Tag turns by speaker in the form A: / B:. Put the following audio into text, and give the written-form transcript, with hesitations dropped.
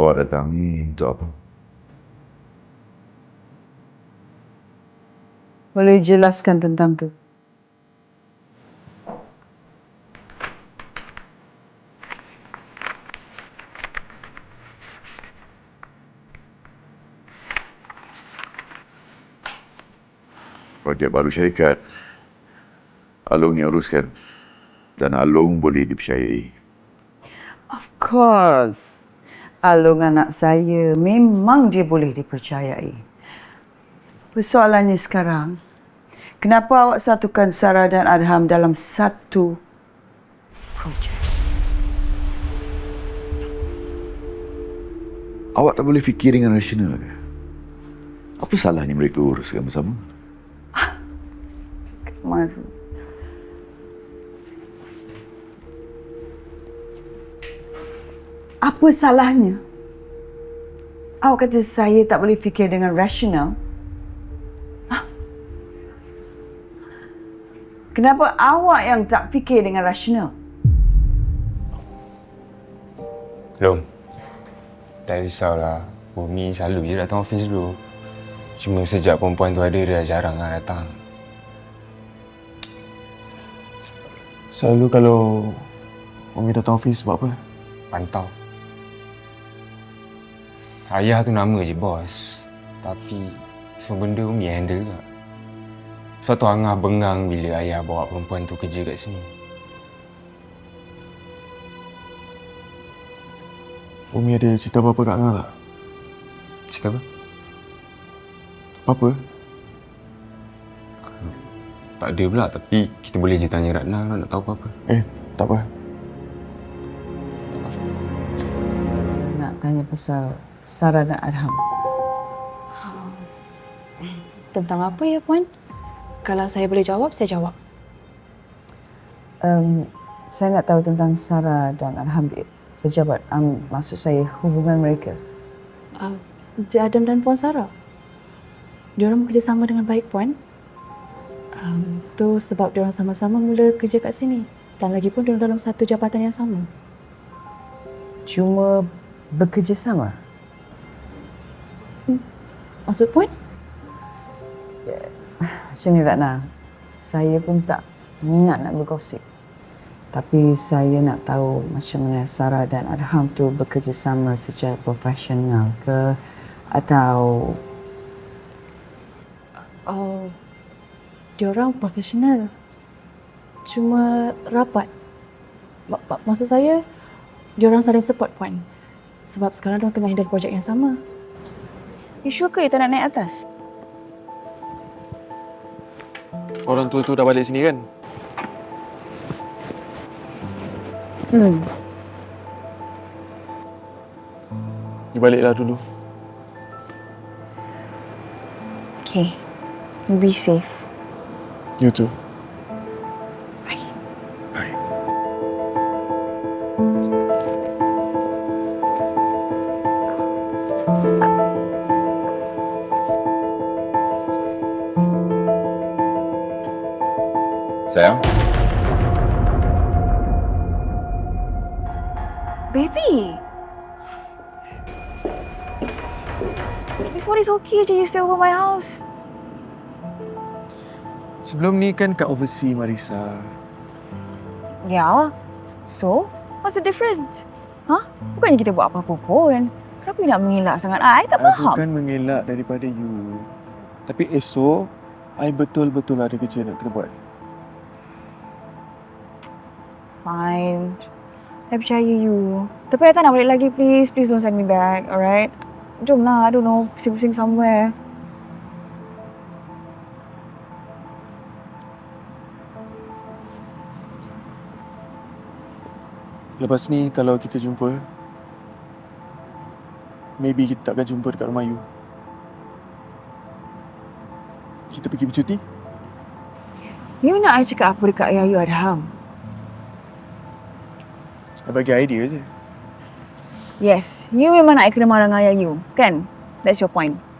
A: Awak datang ni untuk apa?
B: Boleh jelaskan tentang tu?
A: Projek baru syarikat. Along yang uruskan. Dan Along boleh dipercayai.
B: Of course. Along anak saya, memang dia boleh dipercayai. Persoalannya sekarang, kenapa awak satukan Sarah dan Adham dalam satu projek?
A: Awak tak boleh fikir dengan rasional ke? Apa salahnya mereka uruskan bersama?
B: Maru. Apa salahnya? Awak kata saya tak boleh fikir dengan rasional? Kenapa awak yang tak fikir dengan rasional?
C: Long, tak risaulah. Umi selalu je datang office dulu. Cuma sejak perempuan tu ada, dia jarang lah datang.
D: Selalu kalau Umi datang office buat apa?
C: Pantau. Ayah tu nama je bos. Tapi semua benda Umi handle juga. Sebab tu Angah bengang bila ayah bawa perempuan tu kerja kat sini.
D: Umi ada cerita apa-apa kat Angah tak?
C: Cerita apa?
D: Apa-apa?
C: Tak ada pula, tapi kita boleh je tanya Ratna kalau nak tahu apa-apa.
D: Tak apa.
B: Nak tanya pasal Sarah dan Adham.
E: Tentang apa ya, Puan? Kalau saya boleh jawab, saya jawab.
B: Saya nak tahu tentang Sarah dan Adham, pejabat. Maksud saya hubungan mereka.
E: Encik Adam dan Puan Sarah. Diorang bekerjasama dengan baik, Puan. Tu sebab diorang sama-sama mula kerja kat sini. Dan lagipun diorang dalam satu jabatan yang sama.
B: Cuma bekerjasama?
E: Maksud Puan?
B: Macam ni Ratna, saya pun tak minat nak bergosip. Tapi saya nak tahu macam mana Sarah dan Adham tu bekerjasama secara profesional ke atau...
E: Diorang profesional. Cuma rapat. Maksud saya, diorang saling support, Puan. Sebab sekarang diorang tengah handle projek yang sama.
F: You sure ke you tak nak naik atas?
D: Orang tua tu dah balik sini kan? You baliklah dulu.
F: Okay. You be safe.
D: You too.
F: Bye.
D: Bye.
A: Sayang?
F: Baby! Before this okay je you stay over my house.
D: Sebelum ni kan kat overseas, Marissa.
F: Yeah. So, what's the difference? Bukannya kita buat apa-apa pun. Kenapa you nak mengelak sangat? I tak faham.
D: Bukan mengelak daripada you. Tapi esok, I betul-betul ada kerja nak kena buat.
F: Fine. I percaya you. Tapi I tak nak balik lagi, please. Please don't send me back, alright? Jom lah, I don't know, pusing-pusing somewhere.
D: Lepas ni, kalau kita jumpa, maybe kita tak akan jumpa dekat rumah you. Kita pergi bercuti?
F: You nak I cakap apa dekat ayah you, Adham?
D: I bagi idea je.
F: Yes, you memang nak I kena marah dengan ayah you, kan? That's your point.